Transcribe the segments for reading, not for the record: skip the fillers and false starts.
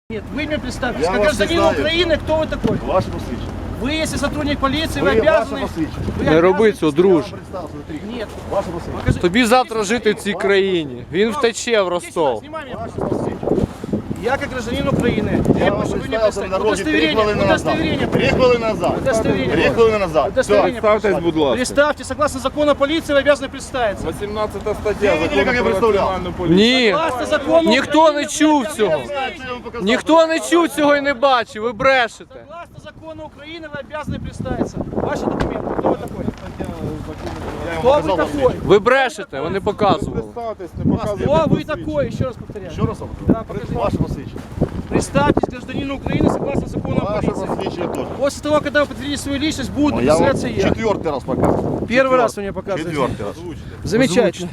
Нет, вы мне представьтесь, Я как вас не гражданин знаю. Украины, кто вы такой? Ваше посвідчення. Вы, если сотрудник полиции, вы Ви обязаны... ваше посвідчення. вы Не обязаны роби цього, представить- друж. Представ, смотри. Нет. Ваше посвідчення. Покажи. Тобі завтра жити в цій країні. Він втече в Ростов. Снимай меня, Ваше пожалуйста. посвідчення. Я как гражданин Украины. Я вам прошу, вы мне представився на представить. дорозі 3 хвилини назад. 3 хвилини назад. 3 хвилини назад. Удостоверение. Представтесь, будь ласка. Представьте, согласно закону о полиции, вы обязаны представиться. 18 стаття Ви видели, як я Закону про представляв? національну поліцію. Ні. Согласно закону Ніхто Украины, не вы чув обязаны цього. представиться. Ніхто не чув цього і не бачив, ви брешете. Согласно закону Украины, вы обязаны представиться. Ваши документы. Кто вы такой? Я Кто вам вы показав такой? Ви брешете, вони показували. Представтесь, не показуйте. Кто вы посвідчення. такой? Еще раз повторяю. Ще раз вам Да, кажу. покажи. Ваше посвідчення. Представьтесь гражданину Украины согласно закону о Ваше полиции. посвідчення теж. После того, когда вы подтвердите свою личность, буду Я вам представляться я. 4-й раз показую. Первый раз вы мне показываете. 4-й раз. Замечательно.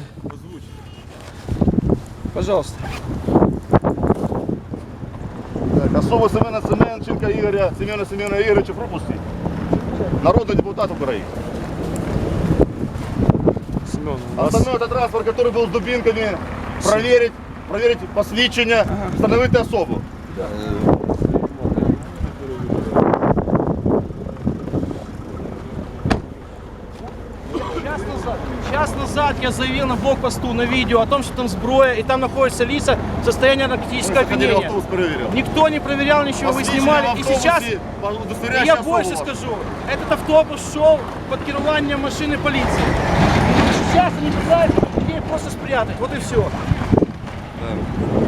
Пожалуйста. Так, особу Семена Семенченка Ігоря, Семена Ігоровича пропустіть. Народний депутат України. Остальной это транспорт, который был с дубинками, проверить посвідчення, встановити особу. Час назад я заявил на блокпосту на видео о том, что там сброя и там находятся лица в состоянии наркотического Ми заходили в опьянения. автобус, перевіряв. Никто не проверял ничего, вы Посвідчення снимали. в И автобусі, сейчас удостоверяюча я особа больше ваша. скажу. Этот автобус шел под керованием машины полиции. Сейчас они пытаются людей просто спрятать. Вот и все.